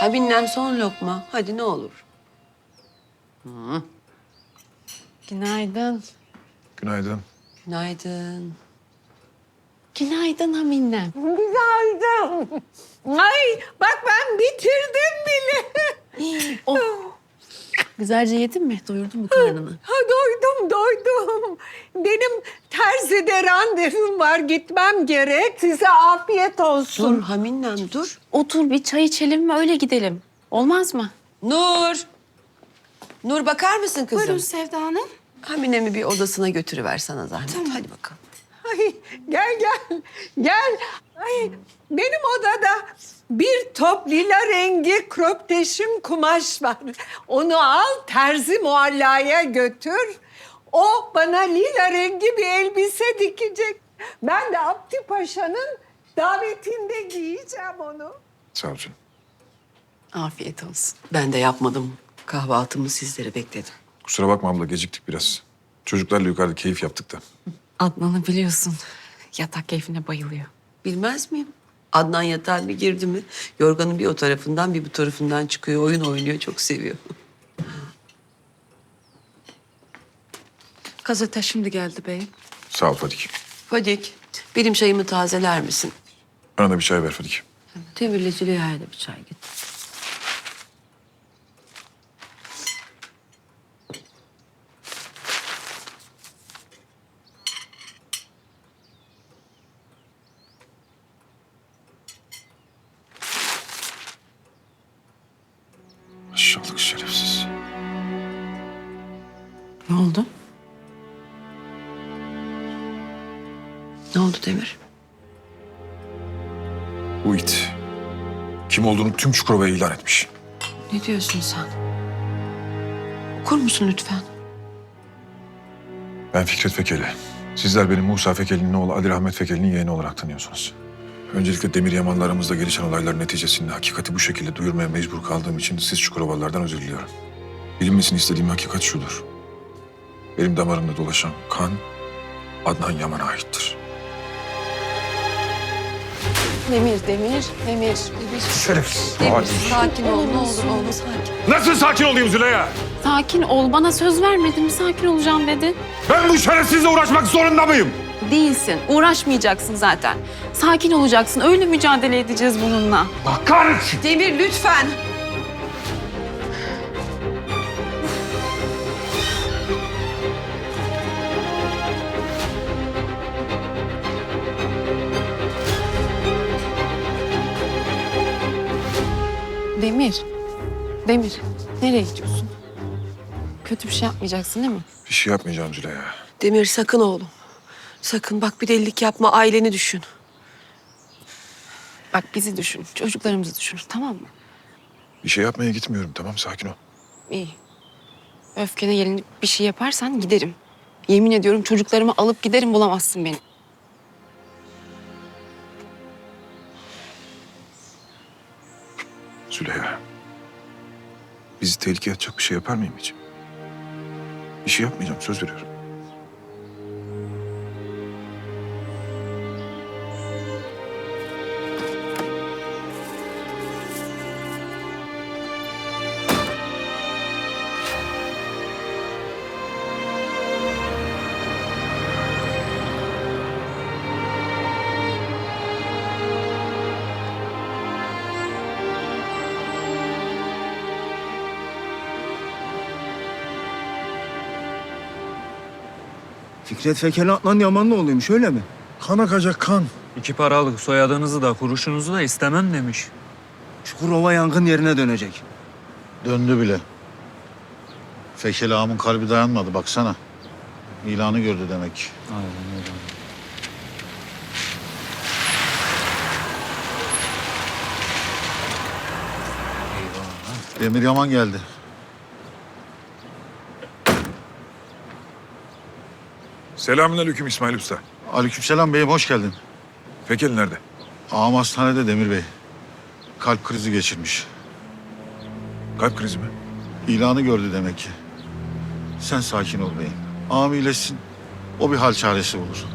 Haminlem son lokma. Hadi ne olur. Günaydın. Günaydın. Günaydın. Günaydın Haminem. Günaydın. Ay bak ben bitirdim bile. Oh. Güzelce yedin mi? Doyurdun mu karnını? Ha, doydum. Benim terzide randevum var, gitmem gerek. Size afiyet olsun. Dur Haminlem dur. Otur bir çay içelim ve öyle gidelim. Olmaz mı? Nur. Nur bakar mısın kızım? Buyurun Sevda Hanım. Haminem'i bir odasına götürüver sana zahmet. Hadi bakalım. Ay, gel. Ay, benim odada bir top lila rengi kröpteşim kumaş var. Onu al, terzi muallaya götür. O bana lila rengi bir elbise dikecek. Ben de Abdi Paşa'nın davetinde giyeceğim onu. Sağ ol canım. Afiyet olsun. Ben de yapmadım. Kahvaltımı sizlere bekledim. Kusura bakma abla geciktik biraz. Çocuklarla yukarıda keyif yaptık da. Adnan'ı biliyorsun. Yatak keyfine bayılıyor. Bilmez miyim? Adnan yatağa bir girdi mi yorganın bir o tarafından bir bu tarafından çıkıyor. Oyun oynuyor. Çok seviyor. Gazete şimdi geldi beyim. Sağ ol Fadik. Fadik, benim çayımı tazeler misin? Bana da bir çay ver Fadik. Demir'le Züleyha'ya da bir çay getir. Aşağılık şerefsiz. Ne oldu? Ne oldu Demir? Bu it kim olduğunu tüm Çukurova'ya ilan etmiş. Ne diyorsun sen? Okur musun lütfen? Ben Fikret Fekeli. Sizler benim Musa Fekeli'nin oğlu Ali Rahmet Fekeli'nin yeğeni olarak tanıyorsunuz. Öncelikle Demir Yaman'la aramızda gelişen olaylar neticesinde hakikati bu şekilde duyurmaya mecbur kaldığım için siz Çukurovalılardan özür diliyorum. Bilinmesini istediğim hakikat şudur. Benim damarımda dolaşan kan Adnan Yaman'a aittir. Demir. Şerefsiz. Demir, sakin ol. Ne olur oğlum sakin. Nasıl sakin olayım Züleyha? Sakin ol. Bana söz vermedin mi? Sakin olacağım dedin. Ben bu şerefsizle uğraşmak zorunda mıyım? Değilsin. Uğraşmayacaksın zaten. Sakin olacaksın. Öyle mücadele edeceğiz bununla. Bak kahretsin. Demir lütfen. Demir. Nereye gidiyorsun? Kötü bir şey yapmayacaksın değil mi? Bir şey yapmayacağım Züleyha. Demir sakın oğlum. Sakın bak bir delilik yapma. Aileni düşün. Bak bizi düşün. Çocuklarımızı düşün. Tamam mı? Bir şey yapmaya gitmiyorum, tamam, sakin ol. İyi. Öfkene gelinip bir şey yaparsan giderim. Yemin ediyorum çocuklarımı alıp giderim, bulamazsın beni. Züleyha. Bizi tehlikeye atacak bir şey yapar mıyım hiç? Bir şey yapmayacağım, söz veriyorum. Fikret Fekeli Adnan Yaman'la oluyormuş öyle mi? Kan akacak kan. 2 paralık soyadınızı da kuruşunuzu da istemem demiş. Çukurova yangın yerine dönecek. Döndü bile. Fekeli ağamın kalbi dayanmadı baksana. İlanı gördü demek. Aynen öyle. Demir Yaman geldi. Selamünaleyküm İsmail Usta. Aleykümselam beyim hoş geldin. Fekeli nerede? Ağam hastanede Demir Bey. Kalp krizi geçirmiş. Kalp krizi mi? İlanı gördü demek ki. Sen sakin ol beyim. Ağam iyileşsin. O bir hal çaresi bulur.